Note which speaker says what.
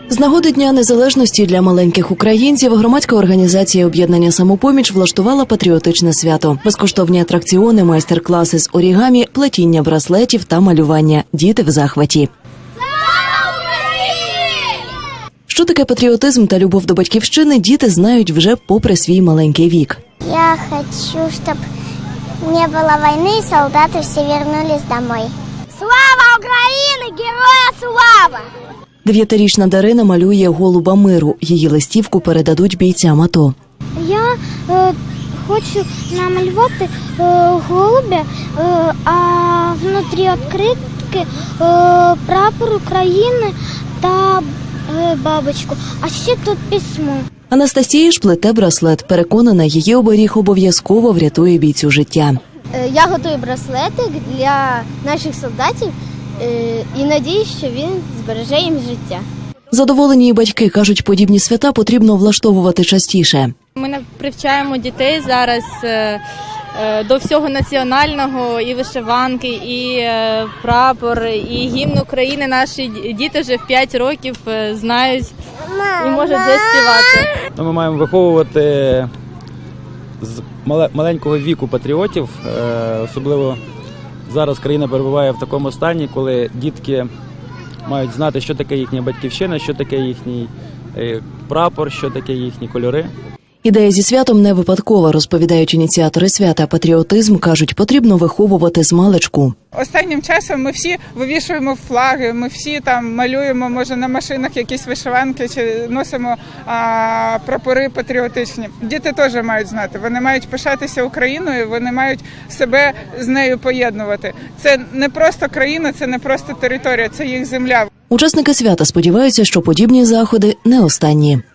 Speaker 1: З нагоди Дня Незалежності для маленьких українців громадська організація «Об'єднання Самопоміч» влаштувала патріотичне свято. Безкоштовні атракціони, майстер-класи з орігамі, плетіння браслетів та малювання. Діти в захваті. Що таке патріотизм та любов до батьківщини, діти знають вже попри свій маленький вік.
Speaker 2: Я хочу, щоб не було війни і солдати всі повернулись домой. Слава Україні! Героям слава!
Speaker 1: 9-річна Дарина малює голуба миру. Її листівку передадуть бійцям АТО.
Speaker 2: Я хочу намалювати голубя, а внутрі відкритки прапор України та бабочку. А ще тут письмо.
Speaker 1: Анастасія ж плете браслет. Переконана, її оберіг обов'язково врятує бійцю життя.
Speaker 2: Я готую браслетик для наших солдатів і надіюсь, що він збереже їм життя.
Speaker 1: Задоволені і батьки кажуть, подібні свята потрібно влаштовувати частіше.
Speaker 3: Ми привчаємо дітей зараз до всього національного, і вишиванки, і прапор, і гімн України. Наші діти вже в 5 років знають і можуть вже співати.
Speaker 4: Ми маємо виховувати з маленького віку патріотів, особливо зараз країна перебуває в такому стані, коли дітки мають знати, що таке їхня батьківщина, що таке їхній прапор, що таке їхні кольори.
Speaker 1: Ідея зі святом не випадкова, розповідають ініціатори свята. Патріотизм, кажуть, потрібно виховувати змалечку.
Speaker 5: Останнім часом ми всі вивішуємо флаги, ми всі там малюємо, може, на машинах якісь вишиванки чи носимо прапори патріотичні. Діти теж мають знати, вони мають пишатися Україною, вони мають себе з нею поєднувати. Це не просто країна, це не просто територія, це їх земля.
Speaker 1: Учасники свята сподіваються, що подібні заходи не останні.